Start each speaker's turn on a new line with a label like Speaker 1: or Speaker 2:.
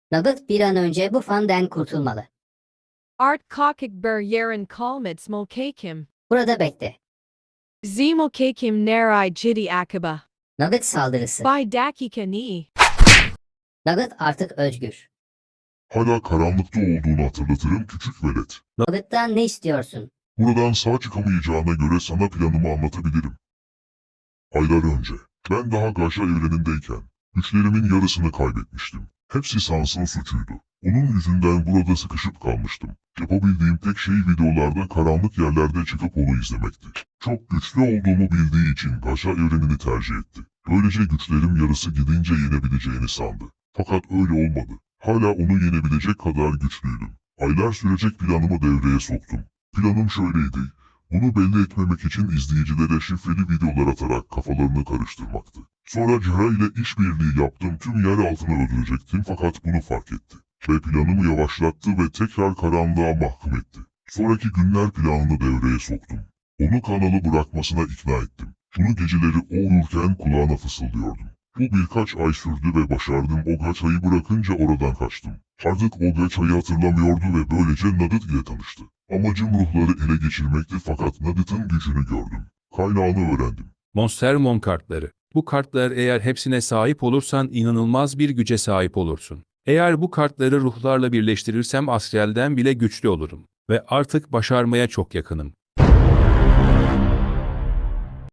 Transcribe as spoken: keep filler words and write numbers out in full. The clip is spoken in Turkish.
Speaker 1: Nugget bir an önce bu fanden kurtulmalı.
Speaker 2: Art kakik ber yeren kalmits molkakim.
Speaker 1: Burada bekle.
Speaker 2: Z molkakim narai jidi akaba.
Speaker 1: Nugget saldırısı.
Speaker 2: By dakika ni.
Speaker 1: Nugget artık özgür.
Speaker 3: Hala karanlıkta olduğunu hatırlatırım küçük velet.
Speaker 1: Nugget'tan ne istiyorsun?
Speaker 3: Buradan sağ çıkamayacağına göre sana planımı anlatabilirim. Aylar önce, ben daha Gaşa evrenindeyken, güçlerimin yarısını kaybetmiştim. Hepsi Sans'ın suçuydu. Onun yüzünden burada sıkışıp kalmıştım. Yapabildiğim tek şey videolarda karanlık yerlerde çıkıp onu izlemekti. Çok güçlü olduğumu bildiği için Gaşa evrenini tercih etti. Böylece güçlerim yarısı gidince yenebileceğini sandı. Fakat öyle olmadı. Hala onu yenebilecek kadar güçlüydüm. Aylar sürecek planımı devreye soktum. Planım şöyleydi. Bunu belli etmemek için izleyicilere şifreli videolar atarak kafalarını karıştırmaktı. Sonra Cihra ile işbirliği yaptım, tüm yer altına öldürecektim fakat bunu fark etti. Ve planımı yavaşlattı ve tekrar karanlığa mahkum etti. Sonraki günler planını devreye soktum. Onu kanalı bırakmasına ikna ettim. Bunu geceleri o uyurken kulağına fısıldıyordum. Bu birkaç ay sürdü ve başardım. O Gaça'yı bırakınca oradan kaçtım. Artık o Gaça'yı hatırlamıyordu ve böylece Nugget ile tanıştı. Amacım ruhları ele geçirmekti fakat Nugget'ın gücünü gördüm. Kaynağını öğrendim.
Speaker 4: Monstermon kartları. Bu kartlar eğer hepsine sahip olursan inanılmaz bir güce sahip olursun. Eğer bu kartları ruhlarla birleştirirsem Astral'den bile güçlü olurum. Ve artık başarmaya çok yakınım.